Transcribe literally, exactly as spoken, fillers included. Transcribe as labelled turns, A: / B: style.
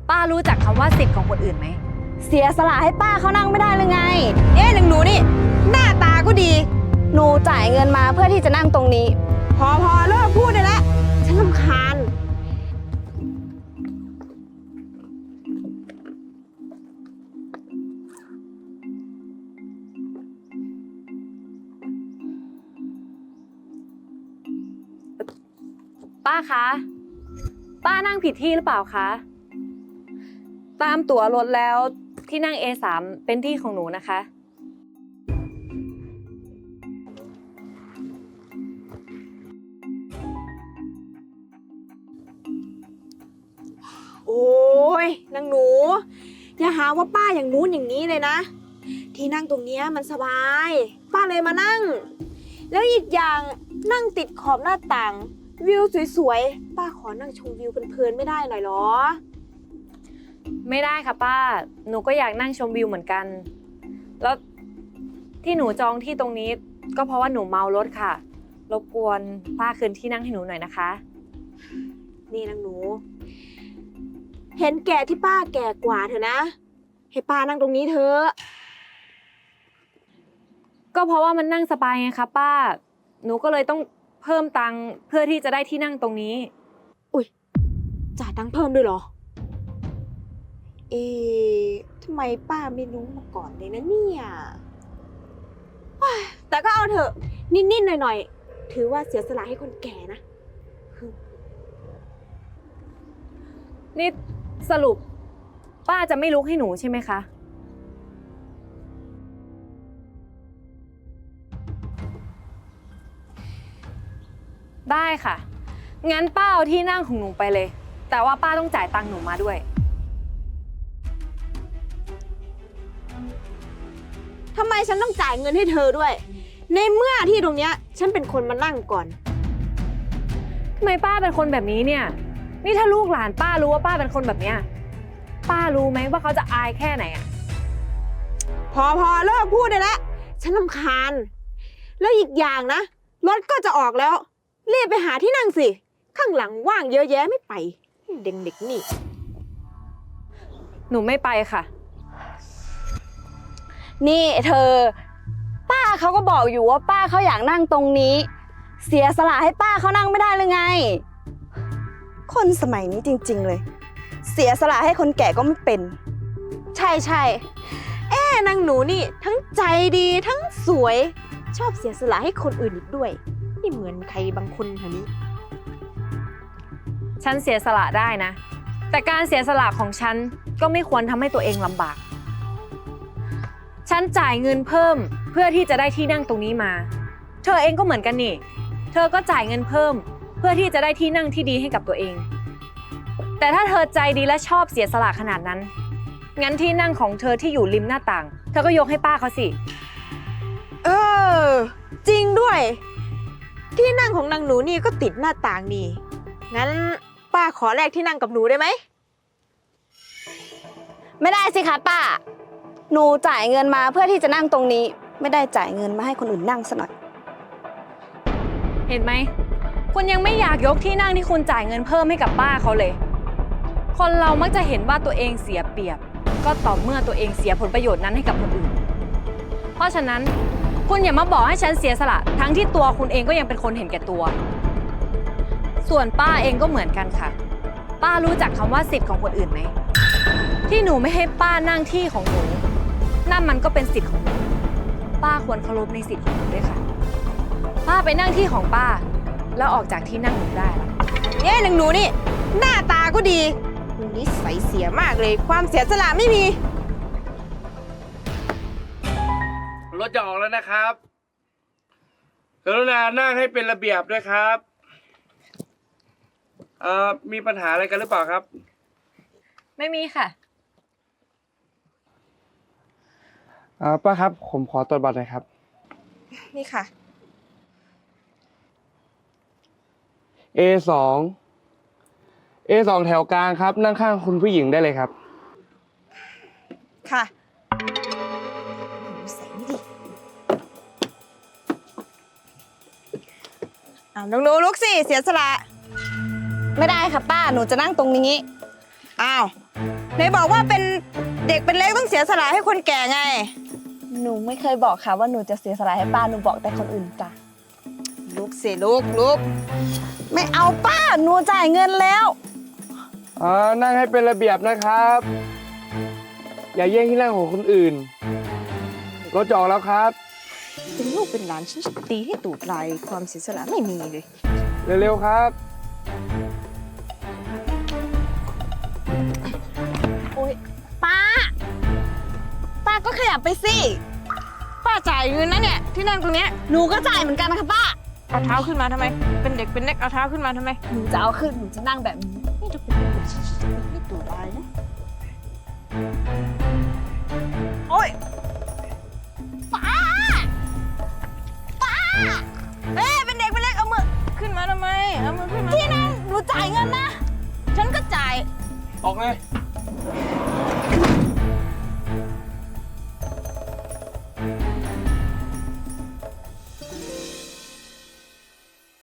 A: ป้ารู้จักคำว่าสิทธิ์ของคนอื่นไหม
B: เสียสละให้ป้าเขานั่งไม่ได้เลยไง
C: เอ๊ะหนึ่งหนูนี่หน้าตาก็ดี
B: หนูจ่ายเงินมาเพื่อที่จะนั่งตรงนี้
C: พอพอเลิกพูดได้แล้วฉันรำคาญ
A: ป้าคะป้านั่งผิดที่หรือเปล่าคะตามตั๋วรถแล้วที่นั่ง เอ สาม เป็นที่ของหนูนะคะ
C: โอ้ยนางหนูอย่าหาว่าป้าอย่างนู้นอย่างนี้เลยนะที่นั่งตรงเนี้ยมันสบายป้าเลยมานั่งแล้วอีกอย่างนั่งติดขอบหน้าต่างวิวสวยๆป้าขอนั่งชมวิวเพลินๆไม่ได้หน่อยหรอ
A: ไม่ได้ค่ะป้าหนูก็อยากนั่งชมวิวเหมือนกันแล้วที่หนูจองที่ตรงนี้ก็เพราะว่าหนูเมารถค่ะรบกวนป้าคืนที่นั่งให้หนูหน่อยนะคะ
C: นี่นางหนูเห็นแก่ที่ป้าแก่กว่าเถอะนะให้ป้านั่งตรงนี้เถอะ
A: ก็เพราะว่ามันนั่งสบายไงคะป้าหนูก็เลยต้องเพิ่มตังค์เพื่อที่จะได้ที่นั่งตรงนี้
C: อุ๊ยจ่ายตังค์เพิ่มด้วยเหรอเอ๊ะทำไมป้าไม่รู้มาก่อนเลยนะเนี่ยแต่ก็เอาเถอะนิดๆหน่อยๆถือว่าเสียสละให้คนแก่นะ
A: นี่สรุปป้าจะไม่ลุกให้หนูใช่ไหมคะได้ค่ะงั้นป้าเอาที่นั่งของหนูไปเลยแต่ว่าป้าต้องจ่ายตังค์หนูมาด้วย
C: ทำไมฉันต้องจ่ายเงินให้เธอด้วยในเมื่อที่ตรงเนี้ยฉันเป็นคนมานั่งก่อน
A: ทำไมป้าเป็นคนแบบนี้เนี่ยนี่ถ้าลูกหลานป้ารู้ว่าป้าเป็นคนแบบเนี้ยป้ารู้ไหมว่าเขาจะอายแค่ไหนอ่ะ
C: พอพอเลิกพูดได้แล้วฉันรำคาญแล้วอีกอย่างนะรถก็จะออกแล้วรีบไปหาที่นั่งสิข้างหลังว่างเยอะแยะไม่ไปเด็กๆนี่
A: หนูไม่ไปค่ะ
B: นี่เธอป้าเขาก็บอกอยู่ว่าป้าเขาอยากนั่งตรงนี้เสียสละให้ป้าเขานั่งไม่ได้เลยไงคนสมัยนี้จริงๆเลยเสียสละให้คนแก่ก็ไม่เป็น
C: ใช่ใช่เอ๊นางหนูนี่ทั้งใจดีทั้งสวยชอบเสียสละให้คนอื่นอีกด้วยนี่เหมือนใครบางคนแถวนี้
A: ฉันเสียสละได้นะแต่การเสียสละของฉันก็ไม่ควรทำให้ตัวเองลำบากฉันจ่ายเงินเพิ่มเพื่อที่จะได้ที่นั่งตรงนี้มาเธอเองก็เหมือนกันนี่เธอก็จ่ายเงินเพิ่มเพื่อที่จะได้ที่นั่งที่ดีให้กับตัวเองแต่ถ้าเธอใจดีและชอบเสียสละขนาดนั้นงั้นที่นั่งของเธอที่อยู่ริมหน้าต่างเธอก็ยกให้ป้าเขาสิ
C: เออจริงด้วยที่นั่งของนางหนูนี่ก็ติดหน้าต่างนี่งั้นป้าขอแลกที่นั่งกับหนูได้ไหม
B: ไม่ได้สิคะป้าหนูจ่ายเงินมาเพื่อที่จะนั่งตรงนี้ไม่ได้จ่ายเงินมาให้คนอื่นนั่งซะหน่อย
A: เห็นไหมคุณยังไม่อยากยกที่นั่งที่คุณจ่ายเงินเพิ่มให้กับป้าเขาเลยคนเรามักจะเห็นว่าตัวเองเสียเปรียบก็ต่อเมื่อตัวเองเสียผลประโยชน์นั้นให้กับคนอื่นเพราะฉะนั้นคุณอย่ามาบอกให้ฉันเสียสละทั้งที่ตัวคุณเองก็ยังเป็นคนเห็นแก่ตัวส่วนป้าเองก็เหมือนกันค่ะป้ารู้จักคำว่าสิทธิ์ของคนอื่นไหมที่หนูไม่ให้ป้านั่งที่ของหนูนั่นมันก็เป็นสิทธิ์ของหนูป้าควรเคารพในสิทธิ์ของหนูด้วยค่ะป้าไปนั่งที่ของป้าแล้วออกจากที่นั่งหนูได้ละ
C: เนี่ยนางหนูนี่หน้าตาก็ดีนิสัยเสียมากเลยความเสียสละไม่มี
D: รถจะออกแล้วนะครับกรุณานั่งให้เป็นระเบียบด้วยครับเอ่อมีปัญหาอะไรกันหรือเปล่าครับ
A: ไม่มีค่ะ
D: อ่าป้าครับผมขอตรวจบัตรหน่อยครับ
C: นี่ค่ะ
D: เอ สอง เอ สอง แถวกลางครับนั่งข้างคุณผู้หญิงได้เลยครับ
C: ค่ะใส่นี่ดิอ้าวน้องหนูลุกสิเสียสละ
B: ไม่ได้ค่ะป้าหนูจะนั่งตรงนี้
C: อ้าวไหนบอกว่าเป็นเด็กเป็นเล็กต้องเสียสละให้คนแก่ไง
B: หนูไม่เคยบอกค่ะว่าหนูจะเสียสละให้ป้า หนูบอกแต่คนอื่นจ้ะ
C: ลุกสิลุกลุก
B: ไม่เอาป้า หนูจ่ายเงินแล้ว
D: อ่านั่งให้เป็นระเบียบนะครับ อย่าแย่งที่นั่งของคนอื่นรถจอดแล้วครับ
C: เป็นลูกเป็นหลานฉันจะตีให้ตูดลายความเสียสละไม่มีเลย
D: เร็วๆครับ
B: โอ๊ยป้า ป้าก็ขยับไปสิ
C: ป้าจ่ายเงินนะเนี่ยที่นั่งตรงเนี้ย
B: หนูก็จ่ายเหมือนกันนะคะป้า
C: เอาเท้าขึ้นมาทำไม เป็นเด็กเป็นเล็กเอาเท้าขึ้นมาทำไม
B: หนูจะเอาขึ้น หนูจะนั่งแบบนี้
C: นี่จะเป็นลูกฉันจะตีให้ตูดลายนะ
B: โอ๊ย
C: เอ้ยเป็นเด็กเป็นเล็กเอามือขึ้นมาทำไมเอามือขึ้นมา
B: ที่นั่งหนูจ่ายเงินนะ
C: ฉันก็จ่าย
D: ออกเลย